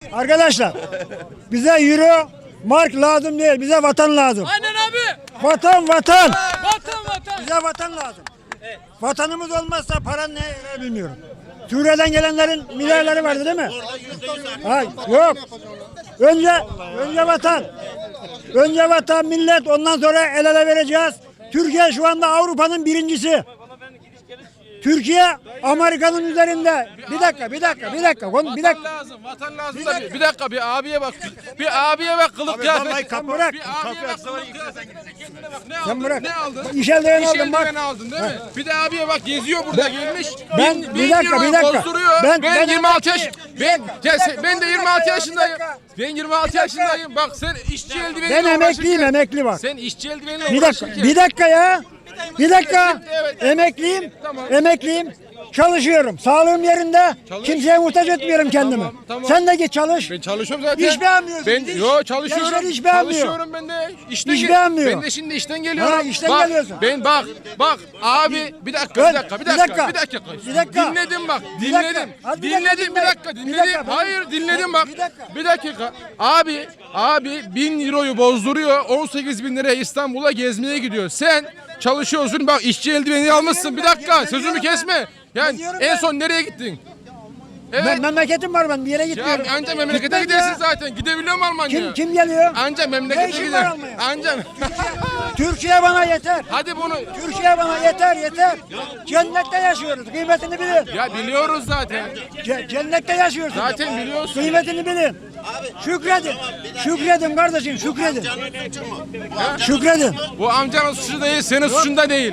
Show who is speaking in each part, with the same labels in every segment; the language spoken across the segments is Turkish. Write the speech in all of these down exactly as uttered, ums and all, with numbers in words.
Speaker 1: Arkadaşlar bize euro, mark lazım değil. Bize vatan lazım.
Speaker 2: Aynen abi.
Speaker 1: Vatan vatan.
Speaker 2: Vatan vatan.
Speaker 1: Bize vatan lazım. Vatanımız olmazsa paranın ne yarar bilmiyorum. Suriye'den gelenlerin milyarları vardı değil mi? Hayır, yok. Önce önce vatan. Önce vatan, millet, ondan sonra el ele vereceğiz. Türkiye şu anda Avrupa'nın birincisi. Türkiye Amerika'nın üzerinde. Bir dakika, bir dakika, bir dakika. Bir dakika.
Speaker 2: Vatan lazım, vatan lazım da bir, bir dakika bir abiye bak. Bir abiye bak kılık kıyafet.
Speaker 1: Sen bırak.
Speaker 2: Bir abiye bak kılık kıyafet. Kendine bak. Ne
Speaker 1: Sen
Speaker 2: aldın?
Speaker 1: bırak.
Speaker 2: Ne aldın?
Speaker 1: İş eldiven
Speaker 2: İş
Speaker 1: aldım bak.
Speaker 2: eldiveni aldın değil mi? Bir de abiye bak geziyor burada gelmiş.
Speaker 1: ben-
Speaker 2: Bin-
Speaker 1: bir
Speaker 2: bin
Speaker 1: dakika,
Speaker 2: euroyu
Speaker 1: bir dakika.
Speaker 2: bozduruyor.
Speaker 1: Ben-
Speaker 2: Ben,
Speaker 1: ben
Speaker 2: yirmi altı yaş.
Speaker 1: emekli-
Speaker 2: Ben
Speaker 1: Bir dakika,
Speaker 2: ben de
Speaker 1: bir
Speaker 2: yirmi
Speaker 1: dakika
Speaker 2: altı
Speaker 1: ya,
Speaker 2: yaşındayım.
Speaker 1: bir dakika.
Speaker 2: Ben yirmi altı
Speaker 1: Bir dakika.
Speaker 2: yaşındayım. Bak sen işçi eldiveniyle
Speaker 1: Ben emekliyim,
Speaker 2: uğraşırken-
Speaker 1: emekli bak.
Speaker 2: Sen işçi eldiveniyle
Speaker 1: Bir dakika,
Speaker 2: uğraşırken.
Speaker 1: bir dakika ya. Bir dakika.
Speaker 2: Evet.
Speaker 1: Emekliyim,
Speaker 2: Tamam.
Speaker 1: emekliyim. Çalışıyorum. Sağlığım yerinde.
Speaker 2: Çalış.
Speaker 1: Kimseye muhtaç etmiyorum kendimi.
Speaker 2: Tamam, tamam.
Speaker 1: Sen de git çalış.
Speaker 2: Ben çalışıyorum zaten.
Speaker 1: İş beğenmiyorsun,
Speaker 2: Ben
Speaker 1: iş.
Speaker 2: yo çalışıyorum.
Speaker 1: Gençler iş beğenmiyor.
Speaker 2: Çalışıyorum ben de. İşten
Speaker 1: İş
Speaker 2: gel-
Speaker 1: beğenmiyor.
Speaker 2: Ben de şimdi işten geliyorum.
Speaker 1: Ha, işten
Speaker 2: bak,
Speaker 1: geliyorsun.
Speaker 2: Ben bak bak abi bir dakika
Speaker 1: Dön,
Speaker 2: bir dakika bir
Speaker 1: bir
Speaker 2: dakika
Speaker 1: dakika.
Speaker 2: bir dakika.
Speaker 1: Bir dakika.
Speaker 2: Dinledim bak.
Speaker 1: Bir dakika.
Speaker 2: Dinledim.
Speaker 1: Hadi bir dakika
Speaker 2: Dinledim bir
Speaker 1: dinle.
Speaker 2: dakika
Speaker 1: Bir
Speaker 2: dinledim.
Speaker 1: dakika, ben-
Speaker 2: Hayır dinledim bak.
Speaker 1: Bir dakika.
Speaker 2: Bir dakika. Abi abi bin euroyu bozduruyor. on sekiz bin liraya İstanbul'a gezmeye gidiyor. Sen çalışıyorsun bak işçi eldiveni almışsın. Bir dakika sözümü kesme. Yani
Speaker 1: diyorum
Speaker 2: en
Speaker 1: ben?
Speaker 2: son nereye gittin? Evet.
Speaker 1: Ben memleketim var, ben bir yere
Speaker 2: Ya
Speaker 1: gitmiyorum.
Speaker 2: anca memlekete
Speaker 1: Gitmem
Speaker 2: gidersin
Speaker 1: ya.
Speaker 2: zaten. Gidebiliyor mu Almanya'ya?
Speaker 1: Kim kim geliyor?
Speaker 2: Anca
Speaker 1: Ne
Speaker 2: memlekete
Speaker 1: işin
Speaker 2: gider.
Speaker 1: var Almanya'ya?
Speaker 2: Anca.
Speaker 1: Türkiye bana yeter.
Speaker 2: Hadi bunu.
Speaker 1: Türkiye bana yeter yeter. Cennette yaşıyoruz. Kıymetini bilin.
Speaker 2: Ya biliyoruz zaten.
Speaker 1: Ce- cennette yaşıyorsunuz.
Speaker 2: Zaten biliyorsun.
Speaker 1: Kıymetini bilin. Şükredin. Şükredin kardeşim, şükredin. Şükredin.
Speaker 2: Bu amcanın suçu değil, senin suçun da değil.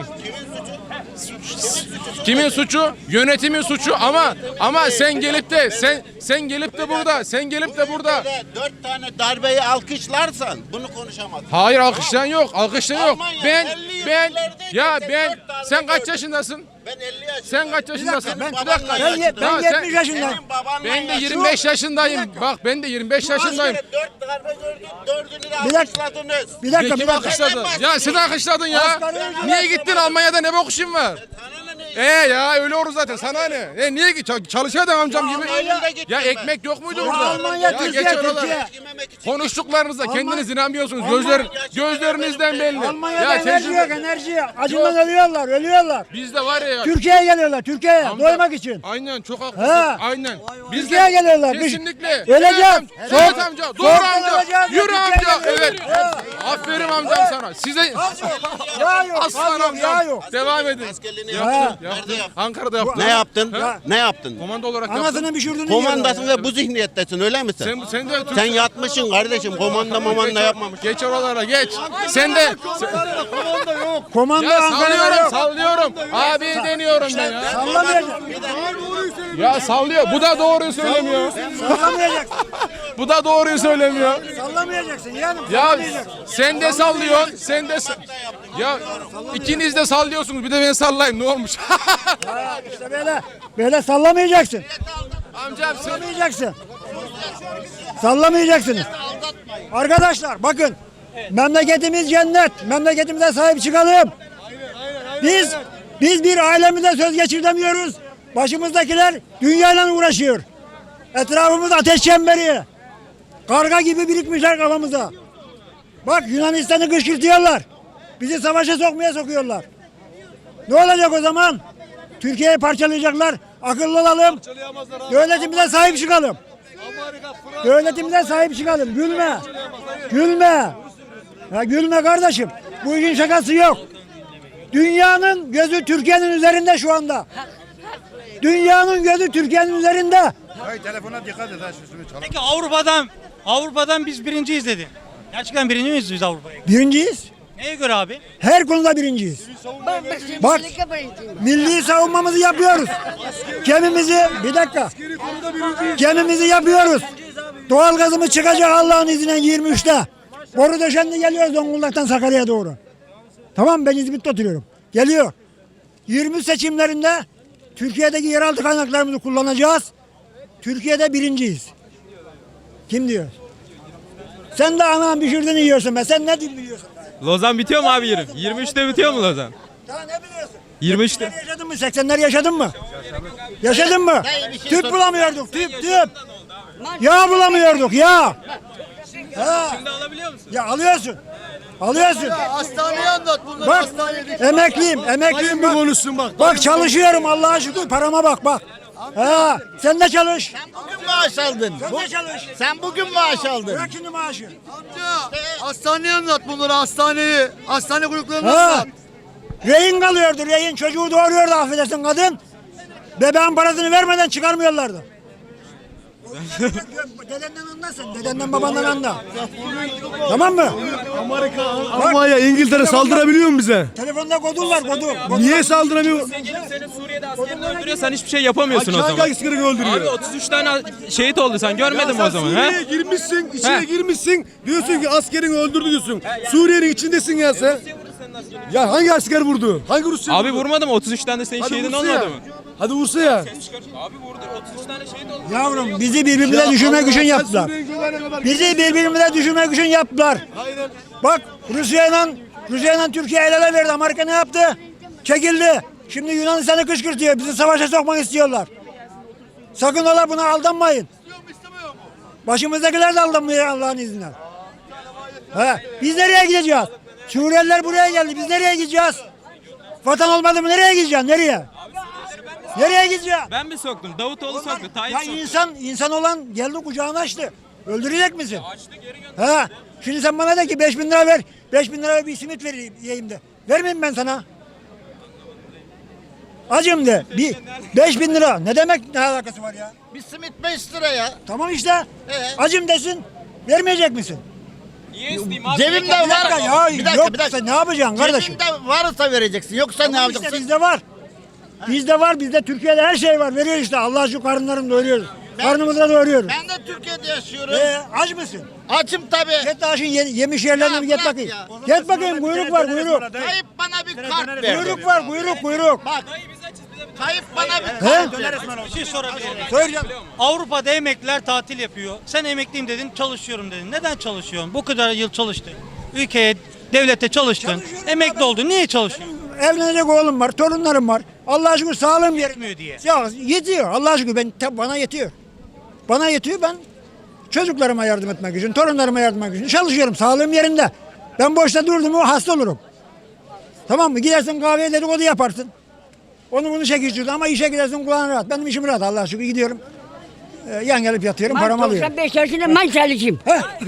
Speaker 2: Kimin suçu? Yönetimin suçu ama ama sen gelip de sen sen gelip de burada, sen gelip de burada.
Speaker 3: Dört tane darbeyi alkışlarsan bunu konuşamazsın.
Speaker 2: Hayır alkışlayan yok, alkışlayan yok.
Speaker 3: Almanya
Speaker 2: Ben
Speaker 3: elli
Speaker 2: ben
Speaker 3: yıllardayken
Speaker 2: ya
Speaker 3: sen
Speaker 2: ben
Speaker 3: dört darbe
Speaker 2: sen kaç
Speaker 3: gördün.
Speaker 2: yaşındasın?
Speaker 3: Ben elli yaşındayım.
Speaker 2: Sen kaç yaşındasın?
Speaker 1: Ben,
Speaker 3: Senin
Speaker 2: Bir dakika.
Speaker 3: babanla
Speaker 1: ben, ye- ben
Speaker 2: Ya sen-
Speaker 1: yetmiş yaşındayım.
Speaker 3: Senin babanla
Speaker 2: Ben de
Speaker 3: yaşlı.
Speaker 2: yirmi beş yaşındayım. Bak ben de yirmi beş yaşındayım.
Speaker 3: Askere dört darbe gördün, dördünü de
Speaker 1: Bir dakika.
Speaker 3: alkışladınız.
Speaker 1: Bir dakika, bir
Speaker 2: Kim
Speaker 1: dakika.
Speaker 2: alkışladı? Ya sen alkışladın ya.
Speaker 1: Asgari ücret-
Speaker 2: Niye gittin Almanya'da ne bok işin var? E ya öyle olur zaten sana ne? E niye git çalışıyordun amcam gibi?
Speaker 3: Almanya'da gittim
Speaker 2: Ya
Speaker 3: ben.
Speaker 2: ekmek yok muydu
Speaker 3: Ya
Speaker 2: orada?
Speaker 1: Almanya,
Speaker 2: Ya
Speaker 1: Türkiye,
Speaker 2: geç oraları.
Speaker 1: Türkiye.
Speaker 3: Yememek için
Speaker 2: Konuştuklarınızda kendiniz inanmıyorsunuz.
Speaker 1: Almanya-
Speaker 2: Gözler gözlerinizden belli.
Speaker 1: Almanya'da
Speaker 2: Ya
Speaker 1: enerji
Speaker 2: tecrübe-
Speaker 1: yok, enerji. Acından ölüyorlar, ölüyorlar.
Speaker 2: Bizde var ya.
Speaker 1: Türkiye'ye geliyorlar, Türkiye'ye
Speaker 2: amca-
Speaker 1: doymak için.
Speaker 2: Aynen çok haklısın.
Speaker 1: Ha.
Speaker 2: Aynen.
Speaker 1: Türkiye'ye geliyorlar. Biz-
Speaker 2: Kesinlikle.
Speaker 1: Öleceğiz.
Speaker 2: Evet, am-
Speaker 1: Soğuk-
Speaker 2: evet amca. Doğru
Speaker 1: soğuktan
Speaker 2: amca.
Speaker 1: öleceğiz ya,
Speaker 2: Yürü
Speaker 1: Türkiye'ye
Speaker 2: amca. Evet.
Speaker 1: geliyoruz. Ha.
Speaker 2: Aferin amcam sana. Size
Speaker 1: Yağ yok,
Speaker 2: aslan
Speaker 1: gaz yok, yağ
Speaker 2: amcam.
Speaker 1: yok.
Speaker 2: Devam edin.
Speaker 3: askerliğini
Speaker 1: Ha.
Speaker 3: yaptın.
Speaker 2: Yaptın.
Speaker 3: Nerede yaptın?
Speaker 2: Ankara'da yaptın.
Speaker 3: Ne yaptın?
Speaker 2: Ha?
Speaker 3: Ne yaptın?
Speaker 2: Komando olarak yaptın.
Speaker 1: Anasını pişirdin.
Speaker 3: Komandasın ve bu zihniyettesin öyle misin?
Speaker 2: Sen, sen de Türk-
Speaker 3: Sen yatmışsın kardeşim. Komanda mamanda yapmamış.
Speaker 2: Geç oralara geç. Sen de
Speaker 1: Komando
Speaker 2: ya
Speaker 1: Ankara'da
Speaker 2: sallıyorum
Speaker 1: yok.
Speaker 2: sallıyorum. Abi deniyorum ben ya.
Speaker 1: Sallamayacak.
Speaker 2: Ya sallıyor. Bu da doğruyu söylemiyor.
Speaker 1: Sallamayacaksın.
Speaker 2: Bu da doğruyu söylemiyor.
Speaker 1: Sallamayacaksın yani.
Speaker 2: Ya
Speaker 1: Sallamayacaksın.
Speaker 2: sen de sallıyorsun. Sen de sa- ya ikiniz de sallıyorsunuz. Bir de ben sallayayım. Ne olmuş?
Speaker 1: Ha, işte böyle. Böyle sallamayacaksın.
Speaker 2: Amcam sen
Speaker 1: Sallamayacaksın. Sallamayacaksınız. Arkadaşlar bakın. Memleketimiz cennet. Memleketimize sahip çıkalım. Biz biz bir ailemize söz geçiremiyoruz. Başımızdakiler dünyayla uğraşıyor. Etrafımız ateş çemberi. Karga gibi birikmişler kafamıza. Bak Yunanistan'ı kışkırtıyorlar. Bizi savaşa sokmaya sokuyorlar. Ne olacak o zaman? Türkiye'yi parçalayacaklar. Akıllı olalım. Devletimize sahip çıkalım. Devletimize sahip çıkalım. Gülme. Gülme. Ya gülme kardeşim. Bu işin şakası yok. Dünyanın gözü Türkiye'nin üzerinde şu anda. Dünyanın gözü Türkiye'nin üzerinde.
Speaker 4: Hayır telefona dikkat et ha sözümü çalın.
Speaker 5: Peki Avrupa'dan Avrupa'dan biz birinciyiz dedi. Gerçekten birinci miyiz biz Avrupa'ya?
Speaker 1: Birinciyiz.
Speaker 5: Neye göre abi?
Speaker 1: Her konuda birinciyiz. Bak milli savunmamızı yapıyoruz. Gemimizi bir dakika. Gemimizi yapıyoruz. Doğalgazımız çıkacak Allah'ın izniyle yirmi üçte. Boru döşendi geliyor Zonguldak'tan Sakarya'ya doğru. Tamam ben İzmit'te oturuyorum. Geliyor. yirmi seçimlerinde Türkiye'deki yeraltı kaynaklarımızı kullanacağız. Türkiye'de birinciyiz. Kim diyor? Sen de anam pişirdiğini yiyorsun be. Sen ne biliyorsun?
Speaker 6: Lozan bitiyor mu abi yirmi? yirmi üçte bitiyor mu Lozan?
Speaker 1: Daha ne biliyorsun?
Speaker 6: yirmi üçte.
Speaker 1: seksenler yaşadın mı? seksenler yaşadın mı? Yaşadın mı? Tüp bulamıyorduk. Tüp tüp. Yağ bulamıyorduk ya. Ha.
Speaker 6: Şimdi alabiliyor musun?
Speaker 1: Ya alıyorsun. Alıyorsun.
Speaker 7: Hastaneye anlat bunları
Speaker 1: Bak
Speaker 7: hastaneye.
Speaker 1: emekliyim, emekliyim bak.
Speaker 7: konuşsun bak.
Speaker 1: Bak çalışıyorum Allah'a şükür parama bak bak. Ha, sen de çalış.
Speaker 3: Bugün maaş aldın.
Speaker 1: Sen de çalış.
Speaker 3: Sen bugün maaş aldın.
Speaker 1: Bırak şimdi maaşı.
Speaker 7: Amca hastaneye anlat bunları hastaneyi. Hastane kuyruklarını
Speaker 1: Ha.
Speaker 7: anlat.
Speaker 1: Rehin kalıyordu rehin. Çocuğu doğuruyordu affedersin kadın. Bebeğin parasını vermeden çıkarmıyorlardı. Dedenden anlarsın. Dedenden babandan anla. Tamam mı?
Speaker 7: Almanya, İngiltere saldırabiliyor mu bize?
Speaker 1: Telefonda kodun var kodun. Kodun
Speaker 7: Niye
Speaker 1: var.
Speaker 7: saldıramıyor?
Speaker 6: Senin Suriye'de askerini öldürüyor, sen hiçbir şey yapamıyorsun o
Speaker 7: Hangi
Speaker 6: zaman.
Speaker 7: askeri öldürüyor?
Speaker 6: Abi otuz üç tane şehit oldu, sen görmedin mi o zaman?
Speaker 7: Suriye'ye
Speaker 6: He?
Speaker 7: girmişsin, içine
Speaker 6: He.
Speaker 7: girmişsin. Diyorsun ki askerini öldürdü diyorsun. Suriye'nin içindesin ya sen. Ya hangi asker vurdu? Hangi Rusya
Speaker 6: Abi
Speaker 7: vurdu?
Speaker 6: vurmadım, otuz üç tane de senin
Speaker 7: Hadi
Speaker 6: şehidin
Speaker 7: vursa ya.
Speaker 6: olmadı mı?
Speaker 7: Hadi vursa ya.
Speaker 6: Abi vurdu, otuz üç tane şehit oldu.
Speaker 1: Yavrum bizi birbirimize düşürmek için yaptılar. Bizi birbirimize düşürmek için yaptılar.
Speaker 7: Aynen.
Speaker 1: Bak Rusya'yla Rusya'yla Türkiye el ele verdi. Amerika ne yaptı? Çekildi. Şimdi Yunanistan'ı kışkırtıyor. Bizi savaşa sokmak istiyorlar. Sakın ola buna aldanmayın. Başımızdakiler de aldanmıyor Allah'ın izniyle. He, biz nereye gideceğiz? Suriyeliler buraya geldi. Biz nereye gideceğiz? Vatan olmadı mı nereye gideceğiz? Nereye? Nereye gideceğiz?
Speaker 6: Ben mi soktum? Davutoğlu soktu, Tayyip
Speaker 1: Ya
Speaker 6: soktu.
Speaker 1: insan insan olan geldi kucağını açtı. Öldürecek misin?
Speaker 6: Açtı, geri gönderdi.
Speaker 1: Ha, şimdi sen bana de ki beş bin lira ver. Beş bin lira bir simit vereyim yiyeyim de. Vermeyeyim ben sana. Acım de. Bir, beş bin lira. Ne demek ne alakası var ya?
Speaker 3: Bir simit beş lira ya.
Speaker 1: Tamam işte.
Speaker 3: Ee?
Speaker 1: Acım desin. Vermeyecek misin?
Speaker 6: Niye isteyeyim abi?
Speaker 3: Cebimde
Speaker 1: Bir dakika
Speaker 3: var.
Speaker 1: ya.
Speaker 3: Bir dakika,
Speaker 1: Yok
Speaker 3: bir dakika.
Speaker 1: ne yapacaksın kardeşim?
Speaker 3: Cebimde varsa vereceksin. Yoksa ne
Speaker 1: Tamam işte
Speaker 3: yapacaksın?
Speaker 1: bizde var. Bizde var. Bizde Türkiye'de her şey var. Veriyor işte. Allah şu karınlarını doyuruyoruz. Karnımıza doyuruyoruz.
Speaker 3: Ben de Türkiye'de yaşıyorum.
Speaker 1: Ee, aç mısın?
Speaker 3: Açım tabii.
Speaker 1: Get daha şimdi ye- yemiş yerlerine
Speaker 3: Ya
Speaker 1: bir get
Speaker 3: bırak
Speaker 1: bakayım.
Speaker 3: ya.
Speaker 1: Get bakayım kuyruk var kuyruk.
Speaker 3: Tayyip bana bir kart verdi.
Speaker 1: Kuyruk var kuyruk kuyruk.
Speaker 3: Bak. Tayyip bana bir
Speaker 1: He?
Speaker 3: kart verdi.
Speaker 5: Bir şey sorabilir miyim?
Speaker 1: Söyleyeceğim.
Speaker 5: Avrupa'da emekliler tatil yapıyor. Sen emekliyim dedin, çalışıyorum dedin. Neden çalışıyorsun? Bu kadar yıl çalıştın. Ülkeye, devlete çalıştın.
Speaker 1: Çalışıyorum
Speaker 5: Emekli
Speaker 1: abi.
Speaker 5: oldun. Niye çalışıyorsun?
Speaker 1: Evlenecek oğlum var, torunlarım var. Allah'a şükür sağlığım
Speaker 5: Yetmiyor
Speaker 1: yerinde.
Speaker 5: diye.
Speaker 1: Ya yetiyor. Allah'a şükür ben tabii bana yetiyor. Bana yetiyor ben çocuklarıma yardım etmek için, torunlarıma yardım etmek için çalışıyorum. Sağlığım yerinde. Ben boşta durdum mu hasta olurum. Tamam mı? Gidersin kahveye dedikodu yaparsın. Onu bunu çekiştirdin ama işe gidersin kulağın rahat. Benim işim rahat Allah'a şükür gidiyorum. Ee, yan gelip yatıyorum, paramı
Speaker 8: Ben
Speaker 1: alıyorum.
Speaker 8: doksan beş yaşında ben çalışayım.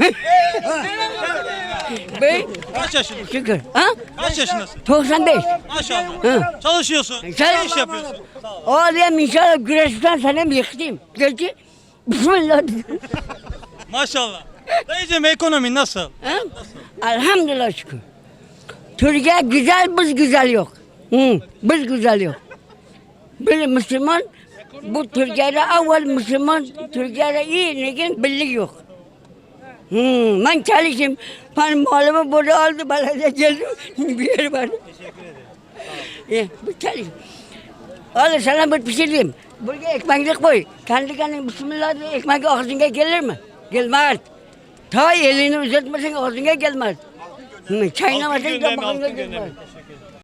Speaker 8: Ben
Speaker 5: Kaç yaşındasın?
Speaker 8: şükür. Ha?
Speaker 5: Kaç yaşındasın?
Speaker 8: doksan beş.
Speaker 5: Maşallah.
Speaker 8: Hı.
Speaker 5: Çalışıyorsun. Ne
Speaker 8: Çalış-
Speaker 5: iş yapıyorsun?
Speaker 8: Oğlum inşallah güreşten sana mı yıkayım? Gece bismillah.
Speaker 5: Maşallah. Dayıcım ekonomi nasıl?
Speaker 8: Ha? Elhamdülillah şükür. Türkiye güzel, biz güzel yok. Hı, biz güzel yok. Bir Müslüman, bu Türkiye'de evvel Müslüman, Türkiye'de iyi, lakin birlik yok. Hmm, ben çalışayım. Ben malımı burada aldı, belediye geldi. Bir yer var. Teşekkür ederim. Bu çalışayım. Al sana bir pişireyim. Buraya ekmeklik koy. Kendi kendine bismillah diye ekmek ağzına gelir mi? Gelmez. Ta elini uzatmasın ağzına gelmez. Hı, çaynamasın da bakın gelmez.